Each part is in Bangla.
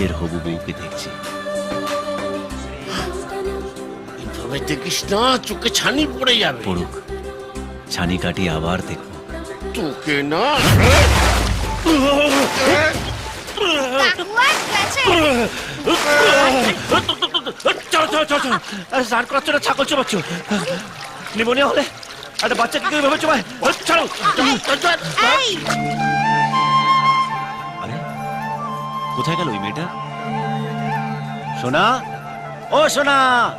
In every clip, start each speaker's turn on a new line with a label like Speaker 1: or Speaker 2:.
Speaker 1: নিজের হবু বউকে দেখছি।
Speaker 2: এভাবে দেখিস না, চোখে ছানি পড়ে যাবে।
Speaker 1: পড়ুক, ছানি কাটিয়ে আবার দেখবো।
Speaker 2: তোকে না
Speaker 1: স্নান করাচ্ছ না ছাগল চোবাচ্ছ? নিমোনিয়া হলে একটা বাচ্চা কি করে ভাবে চোবায়? ছাড়ো। আরে কোথায় গেল ওই মেয়েটা? সোনা, ও সোনা।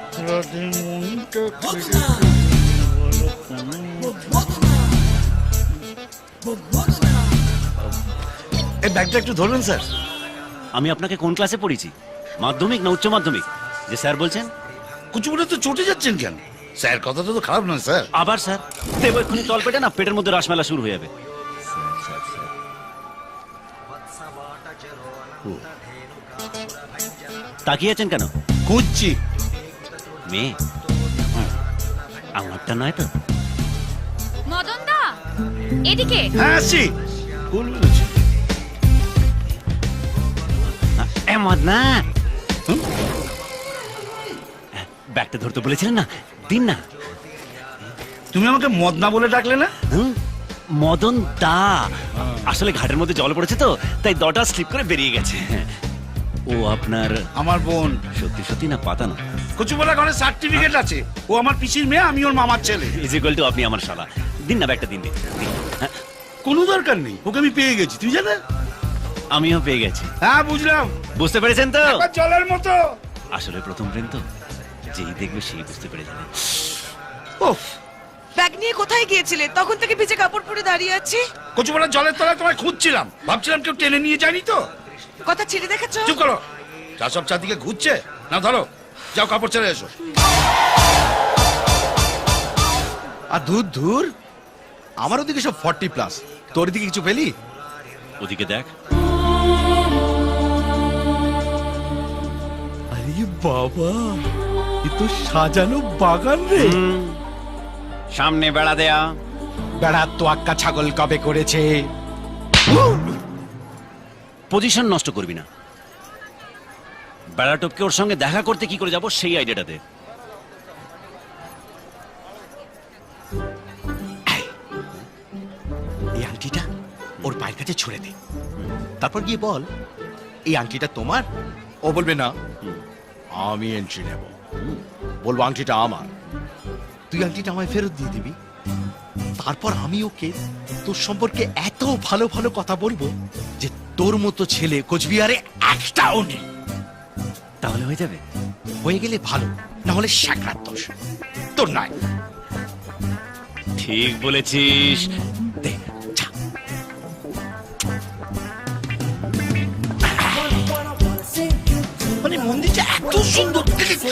Speaker 3: এই ব্যাগটা একটু ধরবেন স্যার।
Speaker 1: আমি আপনাকে কোন ক্লাসে পড়েছি? মাধ্যমিক না উচ্চ মাধ্যমিক যে স্যার বলছেন?
Speaker 3: কুচুকুচে তো চটে যাচ্ছেন কেন? স্যার কথাটা তো খারাপ নয় স্যার।
Speaker 1: আবার স্যার দেবো এক্ষুনি তল পেটে না, পেটের মধ্যে রাসমেলা শুরু হয়ে যাবে। তাকিয়ে আছেন কেন?
Speaker 3: খুঁজছি।
Speaker 1: মেয়ে আমারটা নয় তো?
Speaker 4: মদন দা এদিকে।
Speaker 3: হ্যাঁ আসছি। ভুল বলেছি।
Speaker 1: না ব্যাগটা ধরতে বলেছিলেন না, দিন না।
Speaker 3: তুমি আমাকে মদনা বলে ডাকলে না?
Speaker 1: মদন দা, আসলে ঘাটের মধ্যে জল পড়েছে তো তাই দটা স্লিপ করে বেরিয়ে গেছে। ও আপনার?
Speaker 3: আমার বোন।
Speaker 1: সত্যি সত্যি না পাতানো?
Speaker 3: কচুপালা ঘরে সার্টিফিকেট আছে। ও আমার পিসির মেয়ে, আমি ওর মামার ছেলে।
Speaker 1: ইজ ইকুয়াল টু আপনি আমার শালা। দিন না ব্যাগটা, দিন দিন।
Speaker 3: কোনো দরকার নেই, ওকে আমি পেয়ে গেছি, তুই জানে?
Speaker 1: আমিও পেয়ে গেছি।
Speaker 3: হ্যাঁ বুঝলাম।
Speaker 1: বুঝতে পেরেছেন তো?
Speaker 3: জলের মতো।
Speaker 1: আসলে প্রথম প্রেম তো, যেই দেখবে সেই বুঝতে পেরে যাবে।
Speaker 3: ওফ,
Speaker 5: ব্যাগ নিয়ে কোথায় গিয়েছিলে? তখন থেকে ভিজে কাপড় পরে দাঁড়িয়ে আছি।
Speaker 3: কচুপালা জলের তলায় তোমায় খুঁজছিলাম, ভাবছিলাম কেউ টেনে নিয়ে যায়নি তো।
Speaker 5: কথা ছেড়ে দেখাচ্ছ?
Speaker 3: চুপ করো। যা সব চারদিকে ঘুরছে না, ধরো যাও কাপড় ছেড়ে এসো।
Speaker 6: আর দূর দূর, আমার ওদিকে সব 40+, তোর দিকে কিছু পেলি?
Speaker 1: ওদিকে দেখ।
Speaker 6: আরে বাবা, এ তো সাজানো বাগান রে।
Speaker 1: সামনে বেড়া দেয়া।
Speaker 6: বেড়ার তো আক্কা ছাগল কবে করেছে?
Speaker 1: পজিশন নষ্ট করবি না। বেড়া টপকে ওর সঙ্গে দেখা করতে কি করে যাব সেই আইডিয়াটা দে।
Speaker 6: এই আংটিটা ওর পায়ের কাছে ছুঁড়ে দে, তারপর গিয়ে বল এই আংটিটা তোমার। ও বলবে না, আমি এন্ট্রি নেব। বলবো আংটিটা আমার, তুই আংটিটা আমায় ফেরত দিয়ে দিবি। তারপর আমি ওকে তোর সম্পর্কে এত ভালো ভালো কথা বলবো যে তোর মতো ছেলে কোচবিহারে একটাও নেই।
Speaker 1: তাহলে হয়ে যাবে?
Speaker 6: হয়ে গেলে ভালো, না হলে সাকরাত দোষ তোর নয়।
Speaker 1: ঠিক বলেছিস।
Speaker 6: দে, যা।
Speaker 3: মানে মন্দিরটা এত সুন্দর।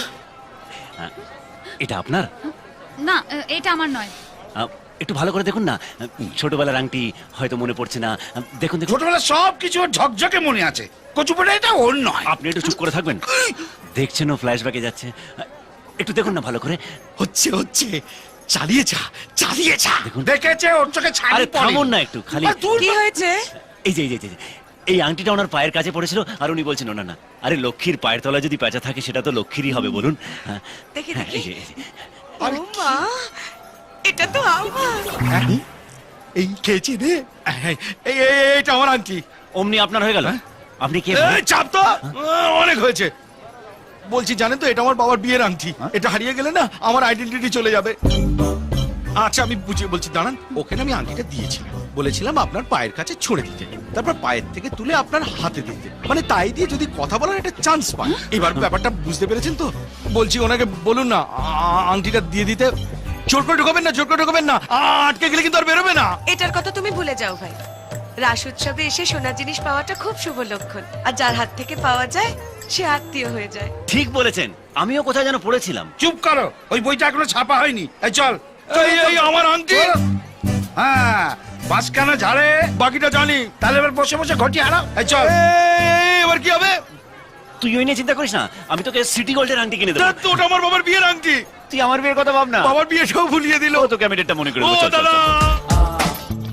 Speaker 1: এটা আপনার?
Speaker 4: না এটা আমার নয়।
Speaker 1: একটু ভালো করে দেখুন না, ছোটবেলার আংটি হয়তো মনে পড়ছে না। দেখুন দেখুন।
Speaker 3: ছোটবেলা সব কিছু ওর ঝকঝকে মনে আছে, কচুপালা এটা ওর নয়।
Speaker 1: আপনি একটু চুপ করে থাকবেন? দেখছেন ও ফ্ল্যাশব্যাকে যাচ্ছে, একটু দেখুন না ভালো করে।
Speaker 6: হচ্ছে হচ্ছে, চালিয়ে যা, চালিয়ে যা।
Speaker 1: দেখুন।
Speaker 3: দেখেছে ওর চোখে ছানি
Speaker 1: আরে
Speaker 3: পড়ে।
Speaker 1: থামুন না একটু, খালি
Speaker 5: কি হয়েছে?
Speaker 1: এই যে এই আংটিটা ওনার পায়ের কাছে পড়েছিল আর উনি বলছেন ওনার না। আরে লক্ষ্মীর পায়ের তলায় যদি পেঁচা থাকে সেটা তো লক্ষ্মীরই হবে বলুন।
Speaker 5: দেখি
Speaker 1: হ্যাঁ,
Speaker 5: দেখি।
Speaker 1: এই যে।
Speaker 5: ও মা, এটা তো আমার।
Speaker 6: এই খেয়েছি রে, এইটা আমার আংটি।
Speaker 1: অমনি আপনার হয়ে গেল? আপনি কে?
Speaker 6: এই চাপ তো, অনেক হয়েছে। বলছি জানেন তো, এটা আমার বাবার বিয়ের আংটি। এটা হারিয়ে গেলে না আমার আইডেন্টিটি চলে যাবে। আচ্ছা আমি বুঝিয়ে বলছি, দাঁড়ান। ওখানে আমি আংটিটা দিয়েছিলাম, বলেছিলাম আপনার পায়ের কাছে ছুঁড়ে দিতে, তারপর পায়ের থেকে তুলে আপনার হাতে দিতে, মানে তাই দিয়ে যদি কথা বলার একটা চান্স পায়। এবার ব্যাপারটা বুঝতে পেরেছেন তো? বলছি ওনাকে বলুন না আংটিটা দিয়ে দিতে। জোর করে ঢোকাবেন না, জোর করে ঢোকাবেন না, আটকে গেলে কিন্তু আর বেরোবে না।
Speaker 5: এটার কথা তুমি ভুলে যাও ভাই। রাস উৎসবে এসে সোনার জিনিস পাওয়াটা খুব শুভ লক্ষণ, আর যার হাত থেকে পাওয়া যায় সে আত্মীয় হয়ে যায়।
Speaker 1: ঠিক বলেছেন, আমিও কোথায় যেন পড়েছিলাম।
Speaker 3: চুপ করো, ওই বইটা এখনো ছাপা হয়নি। এই চল।
Speaker 6: এই আমার আংটি।
Speaker 3: হ্যাঁ, বাসখানা ঝাড়ে
Speaker 6: বাকিটা জানি।
Speaker 3: তাহলে এবার বসে বসে ঘটি হারাও। এই চল।
Speaker 6: এবার কি হবে?
Speaker 1: তুই ওই নিয়ে চিন্তা করিস না, আমি তোকে সিটি গোল্ডের আংটি কিনে দেবো।
Speaker 6: তো ওটা আমার বাবার বিয়ের আংটি।
Speaker 1: তুই আমার বিয়ের কথা ভাব না।
Speaker 6: বাবার বিয়েটাও ভুলিয়ে দিল।
Speaker 1: ও তোকে আমি ডেটটা মনে করে
Speaker 6: ও
Speaker 1: দেবো। চল, চল,
Speaker 6: দাদা,
Speaker 1: চল।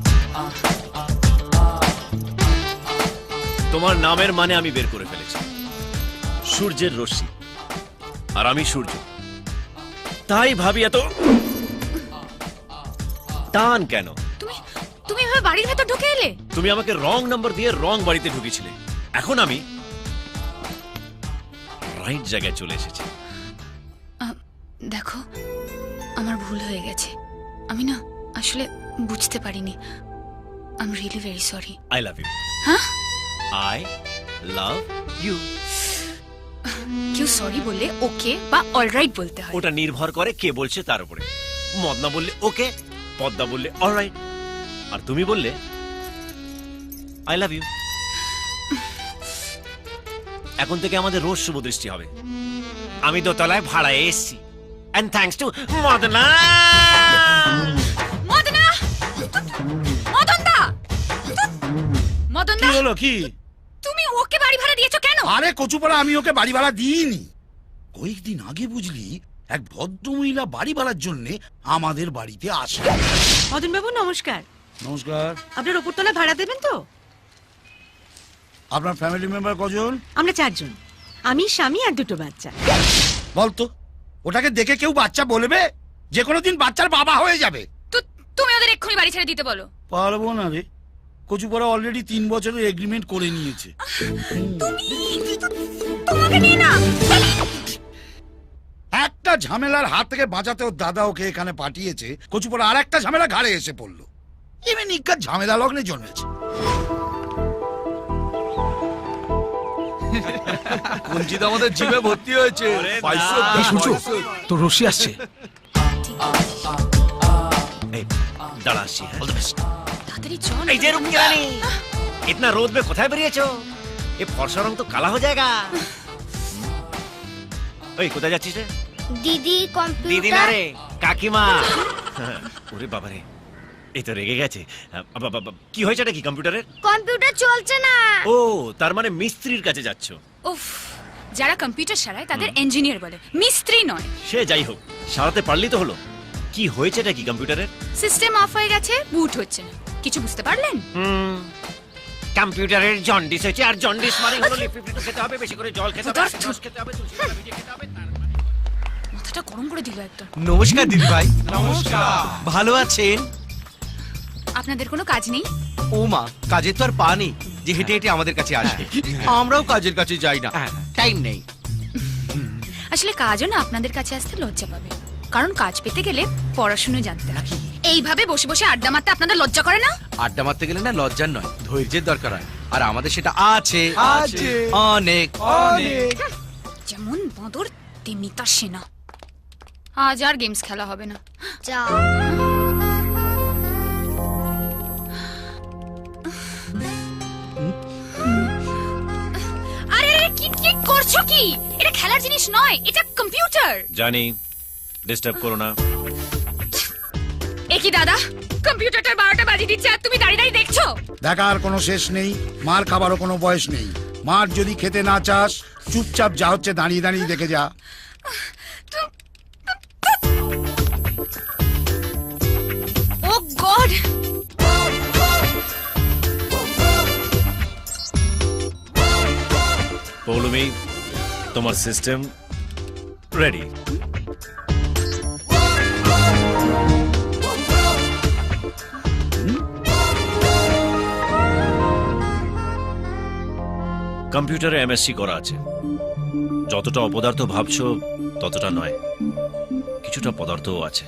Speaker 1: তোমার নামের মানে আমি বের করে ফেলেছি। সূর্যের রশ্মি আর আমি সূর্য, তাই ভাবি এত টান কেন?
Speaker 4: তুমি তুমি এভাবে বাড়ির ভেতর ঢুকে এলে?
Speaker 1: তুমি আমাকে রং নাম্বার দিয়ে রং বাড়িতে ঢুকেছিলে, এখন আমি রাইট জায়গায় চলে এসেছি।
Speaker 4: দেখো, আমার ভুল হয়ে গেছে। আমি না আসলে বুঝতে পারিনি। I am really very sorry.
Speaker 1: I love you.
Speaker 4: হ্যাঁ,
Speaker 1: আই লাভ ইউ।
Speaker 4: কেউ সরি বললে ওকে বা অলরাইট বলতে হয়।
Speaker 1: ওটা নির্ভর করে কে বলছে তার উপরে। মদনা বললে ওকে, পদ্মা বললে অলরাইট, আর তুমি বললে আই লাভ ইউ। এখন থেকে আমাদের রোজ শুভ দৃষ্টি হবে। আমি দোতলায় ভাড়ায় এসেছি, and thanks to Madna.
Speaker 4: Madna, মদনদা,
Speaker 3: কি
Speaker 4: মদনদা,
Speaker 3: হলো কি?
Speaker 4: তুমি ওকে বাড়ি ভাড়া দিয়েছো কেন?
Speaker 3: আরে কচুপাড়া, আমি ওকে বাড়ি ভাড়া দিইনি। কয়েকদিন আগে বুঝলি এক ভদ্রমহিলা বাড়ি ভাড়ার জন্য আমাদের বাড়িতে আসে।
Speaker 5: মদন বাবু নমস্কার।
Speaker 3: নমস্কার।
Speaker 5: আপনার ওপরতলা ভাড়া দেবেন তো?
Speaker 3: আপনার ফ্যামিলি মেম্বার কজন?
Speaker 5: আমরা 4 জন, আমি, স্বামী আর 2 বাচ্চা।
Speaker 3: বলতো, ওটাকে দেখে কেউ বাচ্চা বলবে? যে কোনো দিন বাচ্চার বাবা হয়ে যাবে।
Speaker 4: তুমি ওদের এক্ষুনি বাড়ি ছেড়ে দিতে বলো।
Speaker 3: পারবো না রে, কচুপাড়া অলরেডি 3 বছরের এগ্রিমেন্ট করে নিয়েছে।
Speaker 4: তোমাকে নিয়ে না।
Speaker 3: একটা ঝামেলার হাত থেকে বাঁচাতে ওর দাদা ওকে এখানে পাঠিয়েছে, কচুপাড়া আর একটা ঝামেলা ঘাড়ে এসে পড়লো। এমনি নিকার ঝামেলা লগ্নে জন্মেছে।
Speaker 6: কঞ্চিত আমাদের জিভে ভর্তি হয়েছে।
Speaker 7: তো রশি আসছে।
Speaker 1: এই, দাঁড়া আসছি, হ্যাঁ?
Speaker 4: তাড়াতাড়ি চল।
Speaker 1: এই যে रुक रानी, इतना रोद में কোথায় বেরিয়েছো? এ ফর্সা রং তো কালা হয়ে যায়গা। ওই কোথায় যাচ্ছিস রে?
Speaker 8: দিদি কম্পিউটার।
Speaker 1: দিদি না রে, কাকিমা। ওরে বাবা রে, এই তো রেগে গেছে। কি হয়েছে এটা? কি কম্পিউটারের?
Speaker 8: কম্পিউটার চলছে না।
Speaker 1: ও, তার মানে মিস্ত্রির কাছে যাচ্ছ।
Speaker 4: উফ, যারা কম্পিউটার সারায় তাদের ইঞ্জিনিয়ার বলে, মিস্ত্রি নয়।
Speaker 1: সে যাই হোক, সারাতে পারলি তো হলো। কি হয়েছে এটা? কি কম্পিউটারের?
Speaker 4: সিস্টেম অফ হয়ে গেছে, বুট হচ্ছে না। কিছু বুঝতে পারলেন?
Speaker 1: কম্পিউটারের জন্ডিস হয়েছে, আর জন্ডিস মানে হলো লিপিড খেতে হবে, বেশি করে জল খেতে হবে, রস খেতে হবে, তুলসী পাতা ভিজিয়ে খেতে হবে।
Speaker 4: মাথাটা গরম করে দিল একদম।
Speaker 7: নমস্কার দিদি ভাই। নমস্কার। ভালো আছেন?
Speaker 4: আপনাদের কোনো কাজ নেই?
Speaker 7: ও মা, কাজের তো আর পা নেই যে হেঁটে হেঁটে আমাদের কাছে আসবে। আমরাও কাজের কাছে যাই না, টাইম নেই।
Speaker 4: আসলে কাজও না আপনাদের কাছে আসতে লজ্জা পাবে, কারণ কাজ পেতে গেলে পড়াশুনো জানতে হয়। এইভাবে বসে বসে আড্ডা মারতে আপনাদের লজ্জা করে না?
Speaker 7: আড্ডা মারতে গেলে না লজ্জার নয়, ধৈর্যের দরকার হয়, আর আমাদের সেটা আছে অনেক অনেক।
Speaker 4: যেমন বাঁদর তেমনি তার সেনা। আজ আর গেমস খেলা হবে না।
Speaker 8: যাও।
Speaker 4: আরে আরে, কি কি করছো কি? এটা খেলার জিনিস নয়, এটা কম্পিউটার।
Speaker 1: জানি, ডিস্টার্ব করো না।
Speaker 4: এ কি দাদা, কম্পিউটারটার 12টা বাজিয়ে দিচ্ছে আর তুমি দাঁড়িয়ে দাঁড়িয়ে দেখছো?
Speaker 3: দেখার কোনো শেষ নেই, মার খাবারও কোনো বয়স নেই। মার যদি খেতে না চাস, চুপচাপ যা হচ্ছে দাঁড়িয়ে দাঁড়িয়ে দেখে যা।
Speaker 4: ও গড!
Speaker 1: পৌলমি, তোমার সিস্টেম রেডি। কম্পিউটারে এমএসসি করা আছে। যতটা অপদার্থ ভাবছো ততটা নয়, কিছুটা পদার্থও আছে।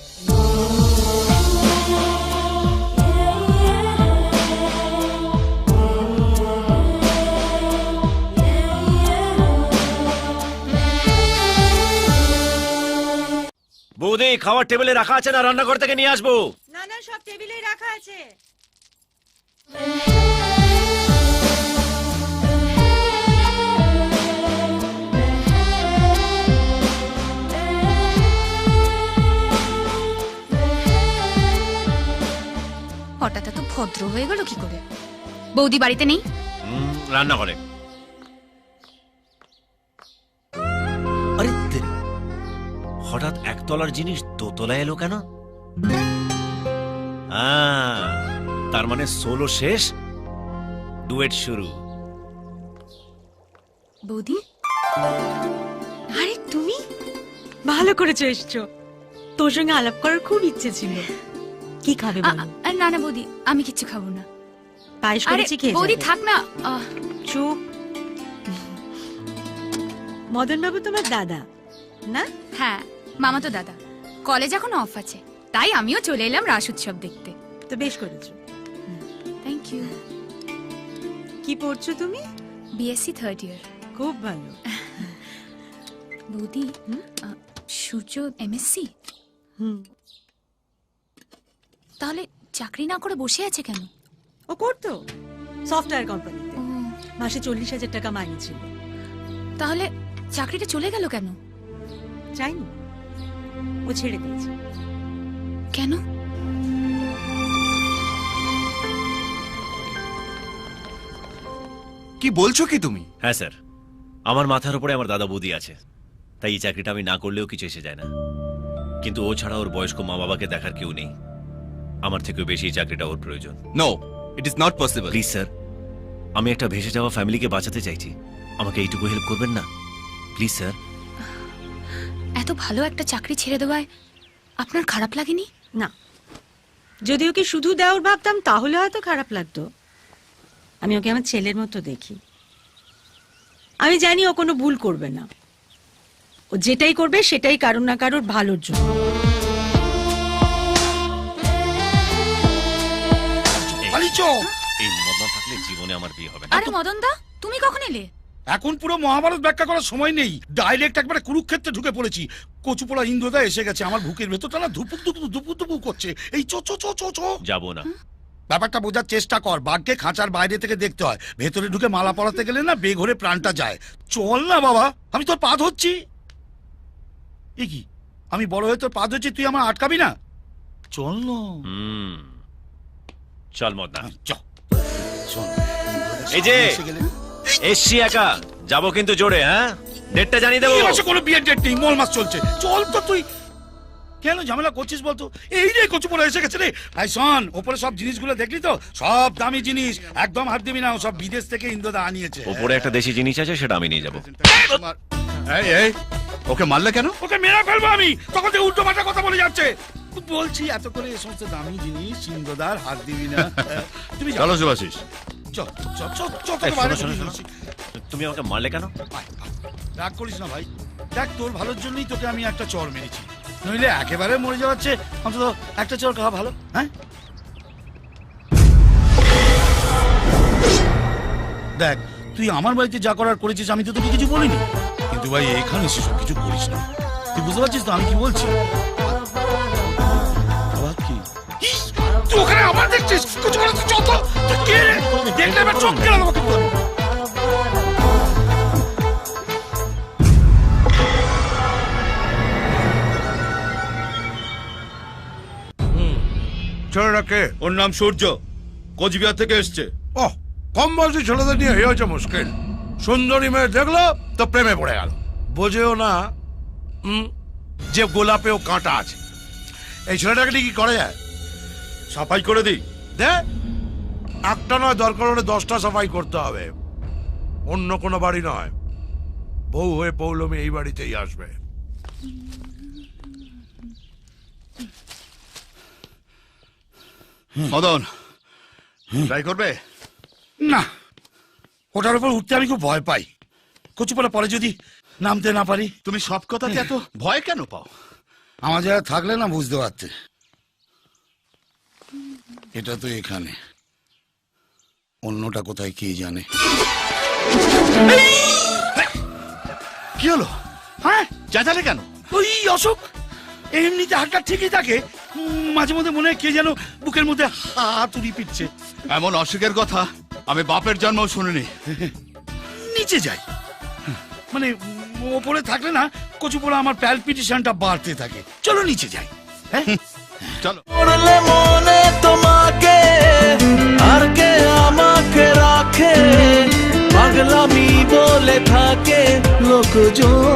Speaker 1: বৌদি, খাওয়ার টেবিলে রাখা আছে না রান্নাঘর থেকে নিয়ে আসবো?
Speaker 5: না না, সব টেবিলেই রাখা আছে।
Speaker 4: হঠাৎ এত ভদ্র হয়ে গেল কি করে? বৌদি বাড়িতে নেই?
Speaker 1: রান্নাঘরে। আরে তেরি, হঠাৎ একতলার জিনিস দোতলায় এলো কেন? তার মানে সোলো শেষ, ডুয়েট শুরু।
Speaker 4: বৌদি,
Speaker 9: আরে তুমি ভালো করেছো এসছো, তোর সঙ্গে আলাপ করার খুব ইচ্ছে ছিল। কি খাবে বলো?
Speaker 4: না না বৌদি, আমি কিচ্ছু খাবো না।
Speaker 9: পায়েস
Speaker 4: আরে
Speaker 9: করেছি, খেয়ে
Speaker 4: বৌদি
Speaker 9: যাবে।
Speaker 4: থাক না।
Speaker 9: চুপ। মদন বাবু তোমার দাদা না?
Speaker 4: হ্যাঁ, মামা তো দাদা। কলেজ এখন অফ আছে, তাই আমিও চলে এলাম রাস উৎসব দেখতে।
Speaker 9: তো বেশ করেছো।
Speaker 4: Thank you.
Speaker 9: কি পড়ছো তুমি?
Speaker 4: BSc third year.
Speaker 9: খুব ভালো।
Speaker 4: বৌদি, সূর্য এমএসসি?
Speaker 9: হুম।
Speaker 4: তাহলে চাকরি না করে বসে আছে কেন?
Speaker 9: ও করতো সফটওয়্যার কোম্পানিতে,
Speaker 4: ও,
Speaker 9: মাসে 40,000 টাকা মাইনে ছিল।
Speaker 4: তাহলে চাকরিটা চলে গেল কেন?
Speaker 9: চাইনি, ও ছেড়ে দিয়েছে।
Speaker 4: কেন?
Speaker 7: কি বলছো কি তুমি?
Speaker 1: হ্যাঁ স্যার, আমার মাথার উপরে আমার দাদা বৌদি আছে, তাই এই চাকরিটা আমি না করলেও কিছু এসে যায় না। কিন্তু ও ছাড়া ওর বয়স্ক মা বাবাকে দেখার কেউ নেই। আমার থেকেও বেশি এই চাকরিটা ওর প্রয়োজন।
Speaker 7: No, it is not possible.
Speaker 1: Please sir, আমি একটা ভেসে যাওয়া ফ্যামিলিকে বাঁচাতে চাইছি, আমাকে এইটুকু হেল্প করবেন না প্লিজ স্যার?
Speaker 4: এত ভালো একটা চাকরি ছেড়ে দেওয়ায় আপনার খারাপ লাগেনি?
Speaker 9: না, যদি ওকে শুধু দেওয়ার ভাবতাম তাহলে হয়তো খারাপ লাগতো। আমি ওকে আমার ছেলের মতো দেখি। আমি জানি ও কোনো ভুল করবে না, ও যেটাই করবে সেটাই কারোর না কারোর ভালোর জন্য।
Speaker 3: পালিচো।
Speaker 1: এই মদ না থাকলে জীবনে আমার বিয়ে হবে না।
Speaker 4: আরে মদন দা, তুমি কখন এলে?
Speaker 3: এখন পুরো মহাভারত ব্যাখ্যা করার সময় নেই, ডাইরেক্ট একবারে কুরুক্ষেত্রে ঢুকে পড়েছি। কচুপোলা ইন্দ্রদা এসে গেছে, আমার বুকের ভেতরটা না ধুপুক ধুপুক ধুপুক ধুপুক করছে। এই চো চো চো চো চো।
Speaker 1: যাবো না।
Speaker 3: ব্যাপারটা বোঝার চেষ্টা কর, বাঘকে খাঁচার বাইরে থেকে দেখতে হয়, ভেতরে ঢুকে মালা পরাতে গেলে না বেঘরে প্রাণটা যায়। চল না বাবা, আমি তোর পা ধরছি। এ কি, আমি বড় হয়ে তোর পা ধরছি, তুই আমার আটকাবি না? চল না।
Speaker 1: চল মদ না।
Speaker 3: চল শোন,
Speaker 1: এই যে
Speaker 3: এসে গেলে
Speaker 1: এসছি একা, যাবো কিন্তু জোরে। হ্যাঁ, ডেটটা জানিয়ে দেবো।
Speaker 3: এই মাসে কোনো বিয়ের ডেট নেই, মল মাস চলছে। চল তো তুই, কেন ঝামেলা করছিস বলতো? এই রে কচুপোলা এসে গেছে রে। ভাই শোন, ওপরে সব জিনিসগুলো দেখলি তো? সব দামি জিনিস, একদম হাত দিবি না, সব বিদেশ থেকে ইন্দ্রদা আনিয়েছে।
Speaker 1: ওপরে একটা দেশি জিনিস আছে, সেটা আমি নিয়ে যাবো।
Speaker 7: এই এই, ওকে মারলে কেন?
Speaker 3: ওকে মেরে ফেলবো আমি, তখন থেকে উল্টো পাল্টা কথা বলে যাচ্ছে। বলছি এত করে এই সমস্ত দামি জিনিস ইন্দ্রদার হাত দিবি না। তুমি
Speaker 7: চলো শুভাশিস।
Speaker 3: চল চল চল চল,
Speaker 1: এই,
Speaker 3: তোকে বাইরে
Speaker 1: শোনো,
Speaker 3: বসিয়ে
Speaker 1: শোনো,
Speaker 3: দিচ্ছি।
Speaker 1: তুমি আমাকে মারলে কেন?
Speaker 3: আয়, আয়। রাগ করিস না ভাই, দেখ তোর ভালোর জন্যই তোকে আমি একটা চর মেরেছি, নইলে একেবারে মরে যাওয়াচ্ছে অন্তত একটা চর খাওয়া ভালো। হ্যাঁ দেখ, তুই আমার বাড়িতে যা করার করেছিস, আমি তো তোকে কিছু বলিনি, কিন্তু ভাই এখানে সেসব কিছু করিস না। তুই বুঝতে পারছিস তো আমি কি বলছি? আবার কি তুই ওখানে আবার দেখছিস? কিছু বলে তুই যত কে রে? দেখলে এবার চোখ কেন আমাকে বল।
Speaker 6: ছেলেটাকে? ওর নাম সূর্য, কোচবিহার থেকে এসছে।
Speaker 10: ওহ, কম বয়সী ছেলেদের নিয়ে হয়ে হচ্ছে মুশকিল। সুন্দরী মেয়ে দেখলো তো প্রেমে পড়ে গেল, বোঝেও না যে গোলাপেও কাঁটা আছে। এই ছেলেটাকে নিয়ে কি করা যায়?
Speaker 6: সাফাই করে দিই।
Speaker 10: দে, একটা নয়, দরকার হলে 10টা সাফাই করতে হবে। অন্য কোনো বাড়ি নয়, বউ হয়ে পৌলমী এই বাড়িতেই আসবে।
Speaker 7: মদন, ট্রাই করবে?
Speaker 3: না, ওটার উপর উঠতে আমি খুব ভয় পাই। কচুপালা পরে যদি নামতে না পারি।
Speaker 7: তুমি সব কথাতে এত ভয় কেন পাও?
Speaker 3: আমার জায়গা থাকলে না বুঝতে পারতে। এটা তো এখানে, অন্যটা কোথায় কে জানে।
Speaker 7: কি হলো?
Speaker 3: হ্যাঁ,
Speaker 7: চেঁচালে কেন?
Speaker 3: ওই অসুখ, এমনিতে হাতটা ঠিকই থাকে, মাঝে মধ্যে মনে হয় কে যেন বুকের মধ্যে হাতুড়ি পিটছে।
Speaker 7: এমন অসুখের কথা আমি বাপের জন্মও শুনিনি।
Speaker 3: নিচে যাই, মানে ওপরে থাকলে না কচুপোলা আমার প্যালপিটেশনটা বাড়তে থাকে। চলো নিচে যাই। হ্যাঁ
Speaker 7: চলো।
Speaker 11: মনে তোমাকে আর কে আমাকে রাখে, পাগলামি বলে থাকে লোকজন।